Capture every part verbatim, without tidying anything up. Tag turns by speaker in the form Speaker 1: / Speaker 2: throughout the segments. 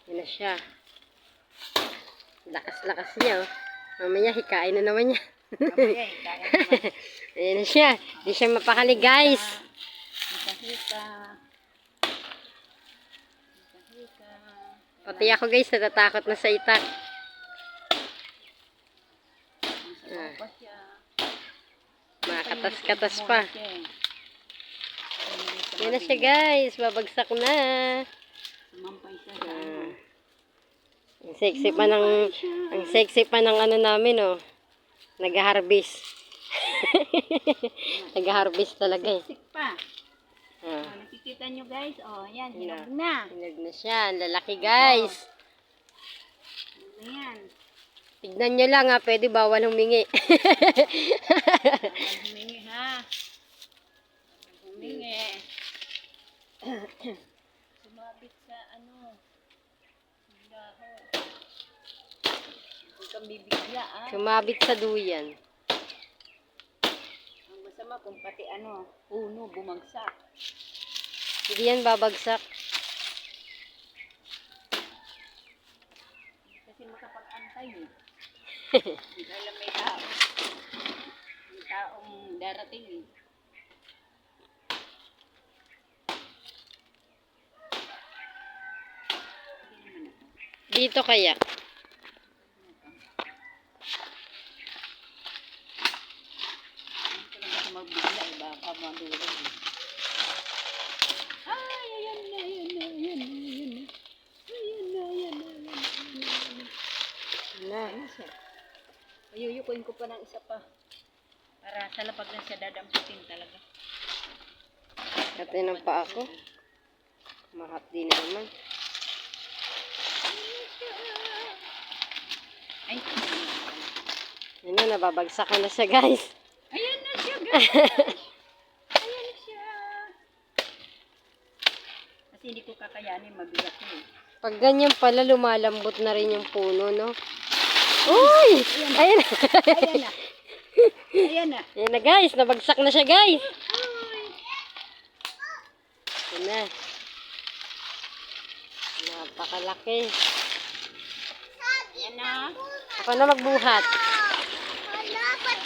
Speaker 1: Yan na siya. Lakas-lakas niya, oh. Mamaya, hikain na naman niya.
Speaker 2: Mamaya, hikain naman.
Speaker 1: Ayan na siya. Di siya mapakali, guys.
Speaker 2: Hika-hika. Hika-hika.
Speaker 1: Pati ako, guys, natatakot na sa itak. Ah. Makatas-katas pa. Yan na siya, guys. Babagsak na.
Speaker 2: Sumampay siya.
Speaker 1: Ah. Ang sexy pa ng, ang sexy pa ng ano namin, oh. Nag-harvest. Nag-harvest talaga, eh.
Speaker 2: Sik pa.
Speaker 1: Ah.
Speaker 2: Oh, nakikita nyo, guys. Oh, yan. Hinog na.
Speaker 1: Hinog na siya. Ang lalaki, guys.
Speaker 2: Ano yan?
Speaker 1: Tignan nyo lang, ha. Pwede bawal humingi.
Speaker 2: Bawal humingi, ha? Bawal humingi. Sumabit sa ano. Dahon. Huwag kang bibigla, ah.
Speaker 1: Sumabit sa duyan.
Speaker 2: Ang masama kung pati ano, puno, bumagsak.
Speaker 1: Hindi yan babagsak.
Speaker 2: Kasi makapag-antay, eh. Hindi ka alam may tao. May taong darating, eh.
Speaker 1: Dito kaya.
Speaker 2: Ito lang ako magbigla, eh. Baka madulog, eh. Ay, ayan na, ayan na, ayan na, ayan na. Ayan na, ayan na, ayan na, ayan na.
Speaker 1: Na.
Speaker 2: Ano siya? Ayuyukuin ko pa ng isa pa. Para sa lapag lang siya dadamputin talaga.
Speaker 1: Ito ng paa ko. Mahat din naman.
Speaker 2: Ay,
Speaker 1: Yan na, nababagsakan na siya, guys.
Speaker 2: ayan na siya, guys. Ayan na siya. Kasi hindi ko kakayanin, mabigat ko, eh.
Speaker 1: Pag ganyan pala, lumalambot na rin yung puno, no? Uy! Ayan na.
Speaker 2: Ayan na. Ayan na.
Speaker 1: Ayan na, guys. Nabagsak na siya, guys.
Speaker 2: Uy.
Speaker 1: Ayan na. Napakalaki.
Speaker 2: Ayan na.
Speaker 1: Ako na magbuhat.
Speaker 2: Ayan,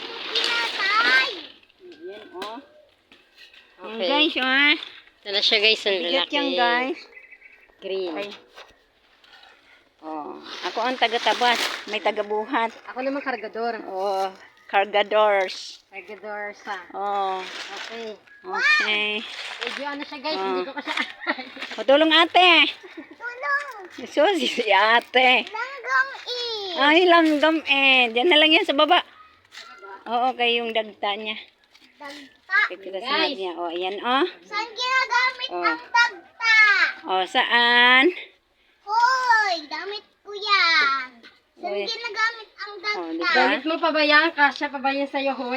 Speaker 2: oh. Ayan,
Speaker 1: Okay.
Speaker 2: guys, oh.
Speaker 1: Ito na siya, guys. Ang
Speaker 2: Bigat
Speaker 1: lalaki.
Speaker 2: yan, guys.
Speaker 1: Green.
Speaker 2: Ay. Oh, ako ang taga-tabas. May taga-buhat.
Speaker 1: Ako naman kargador.
Speaker 2: Oh, cargadors.
Speaker 1: Kargador sa.
Speaker 2: Oh,
Speaker 1: Okay.
Speaker 2: okay.
Speaker 1: Medyo ano siya, guys.
Speaker 2: Ah.
Speaker 1: Hindi ko kasi...
Speaker 2: O, tulong ate.
Speaker 1: Tulong!
Speaker 2: Susi si ate.
Speaker 1: Langgam eh!
Speaker 2: Ay, langgam eh. Diyan na lang yan sa baba. Oo, kay yung dagta niya.
Speaker 1: Dagta!
Speaker 2: Kita sa niya. O, ayan o.
Speaker 1: Saan ginagamit
Speaker 2: Oh.
Speaker 1: ang dagta?
Speaker 2: O, saan?
Speaker 1: Hoy! Gamit ko yan! Saan
Speaker 2: Uy.
Speaker 1: ginagamit ang
Speaker 2: O,
Speaker 1: dagta?
Speaker 2: diba?
Speaker 1: Gamit mo pa ba yan? Kasya pa ba yan sa'yo, hoy?